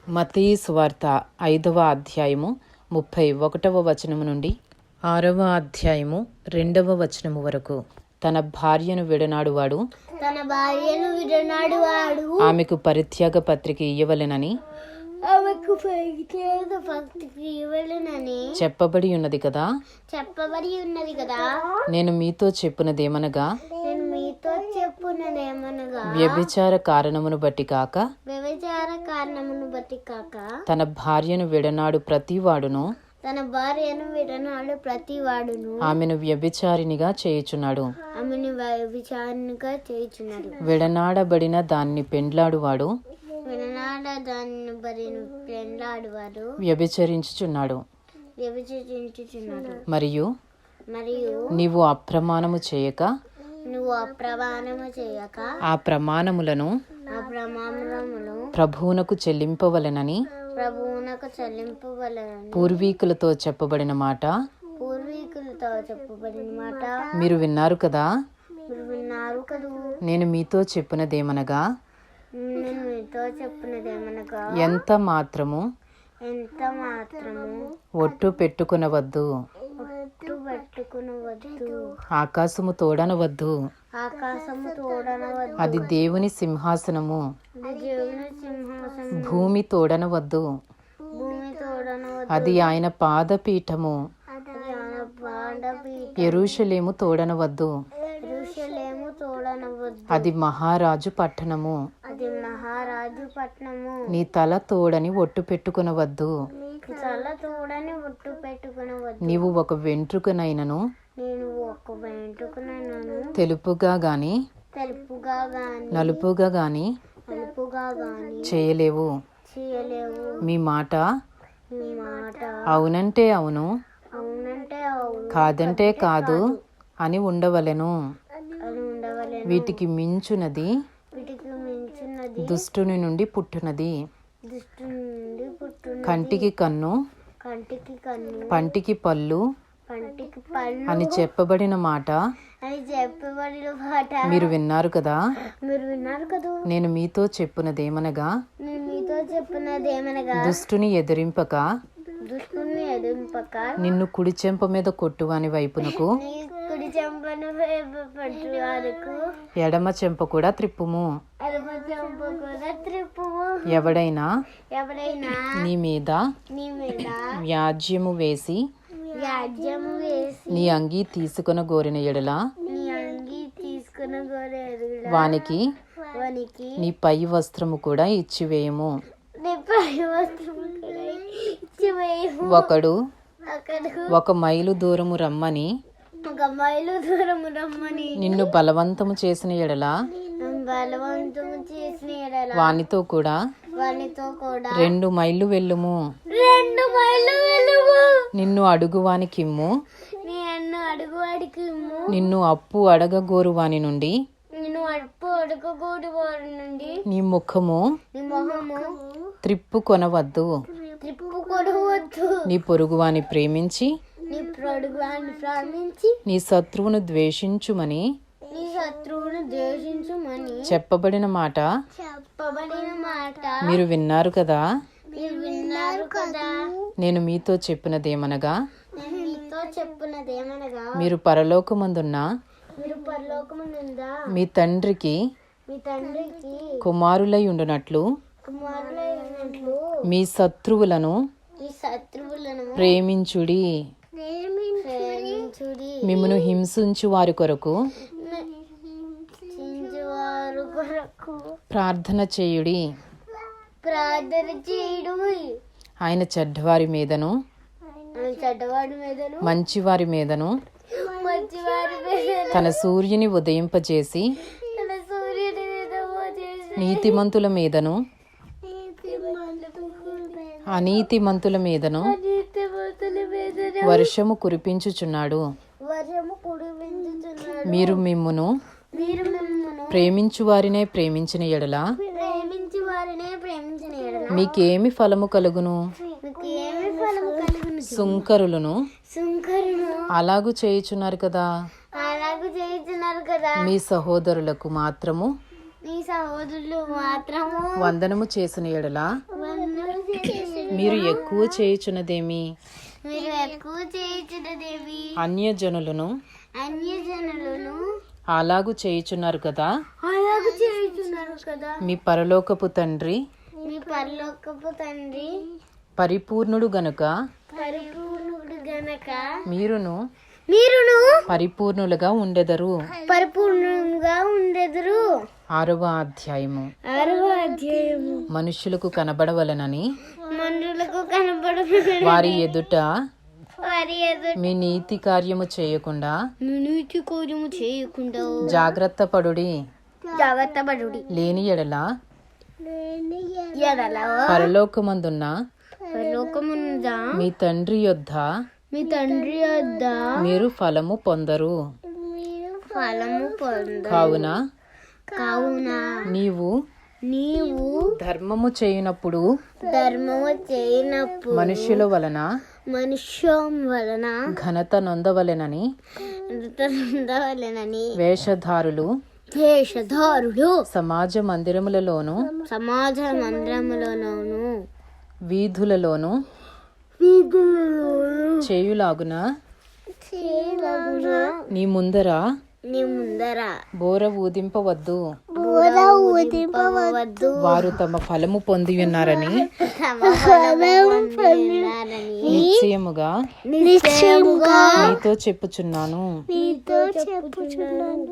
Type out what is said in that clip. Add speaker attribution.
Speaker 1: మత్తయి సువార్త 5వ అధ్యాయము 31వ వచనము నుండి 6వ అధ్యాయము 2వ వచనము వరకు. తన భార్యను విడనాడువాడు ఆమెకు పరిత్యాగ పత్రిక ఇయ్యవలెనని చెప్పబడి ఉన్నది కదా. నేను మీతో చెప్పునదేమనగా వ్యభిచార కారణమును బట్టి కాక తన భార్యను విడనాడు ప్రతివాడును ఆమెను వ్యభిచారినిగా చేయుచున్నాడు. విడనాడబడిన దాన్ని పెండ్లాడువాడు వ్యభిచరించుచున్నాడు. మరియు నీవు అప్రమాణము చేయక ఆ ప్రమాణములను ప్రభువునకు చెల్లింపవలెనని పూర్వీకులతో చెప్పబడిన మాట మీరు విన్నారు కదా. నేను మీతో చెప్పినదేమనగా ఎంత మాత్రము ఒట్టు పెట్టుకునవద్దు, ఆకాశము తోడనవద్దు, అది దేవుని సింహాసనము. భూమి తోడనవద్దు, అది ఆయన పాదపీఠము. యెరూషలేము తోడనవద్దు, అది మహారాజు పట్టణము. నీ తల తోడని ఒట్టు పెట్టుకునవద్దు. నీవు ఒక వెంట్రుకనైనను తెలుపుగా గాని నలుపుగా గాని చేయలేవు. మీ మాట అవునంటే అవును, కాదంటే కాదు అని ఉండవలెను. వీటికి మించునది దుష్టుని నుండి పుట్టునది. కంటికి కన్ను, పంటికి పళ్ళు అని చెప్పబడిన మాట మీరు విన్నారు కదా. నేను మీతో చెప్పునదేమనగా దుష్టుని ఎదిరింపక నిన్ను కుడి చెంప మీద కొట్టువాని వైపునకు ఎడమ చెంప కూడా త్రిప్పుము. ఎవడైనా నీ మీద వ్యాజ్యము వేసి నీ అంగీ తీసుకొన గోరిన ఎడల వానికి నీ పై వస్త్రము కూడా ఇచ్చివేయము. ఒకడు 1 మైలు దూరము రమ్మని నిన్ను బలవంతము చేసిన ఎడల వానితో కూడా 2 మైళ్ళు వెళ్ళుము. నిన్ను అడుగువానికిమ్ము, నిన్ను అప్పు అడగగోరు వాని నుండి నీ ముఖము త్రిప్పుకొనవద్దు. నీ పొరుగువాని ప్రేమించి నీ శత్రువును ద్వేషించుమని చెప్పబడిన మాట మీరు విన్నారు కదా. నేను మీతో చెప్పినదేమనగా మీరు పరలోకమందున్న మీ తండ్రికి కుమారులై ఉండునట్లు మీ శత్రువులను ప్రేమించుడి. మిమ్మును హింసించు వారి కొరకు ప్రార్థన చేయుడి. ఆయన చెడ్డవారి మీదను మంచివారి మీదను తన సూర్యుని ఉదయింపజేసి నీతిమంతుల మీదను అనీతిమంతుల మీదను వర్షము కురిపించుచున్నాడు. మీరు మిమ్మును ప్రేమించు వారినే ప్రేమించిన ఎడల మీకేమి ఫలము కలుగును? సుంకరులను అలాగు చేయుచున్నారు కదా. మీ సహోదరులకు మాత్రము వందనము చేసిన ఎడల మీరు ఎక్కువ చేయుచున్నదేమి?
Speaker 2: మీరు ఎక్కువ చేయుచున్నదేమి?
Speaker 1: అన్యజనులను అలాగు చేయుచున్నారు కదా. మీ పరలోకపు తండ్రి పరిపూర్ణుడు గనుక మీరును పరిపూర్ణులుగా ఉండెదరు. 6వ అధ్యాయము. మనుషులకు కనబడవలెనని వారి ఎదుట మీ నీతి కార్యము చేయకుండా జాగ్రత్త పడుడి. లేని ఎడల పరలోకమందున్న మీ తండ్రి యొద్ద మీరు ఫలము పొందరు. కావున నీవు ధర్మము చేయనప్పుడు మనుష్యుల వలన ఘనత నొందవలెనని వేషధారులు సమాజ మందిరములలోను వీధులలోను చేయులాగున నీ ముందర బోర ఊదింపవద్దు. వారు తమ ఫలము పొంది ఉన్నారని నిశ్చయముగా నీతో చెప్పుచున్నాను.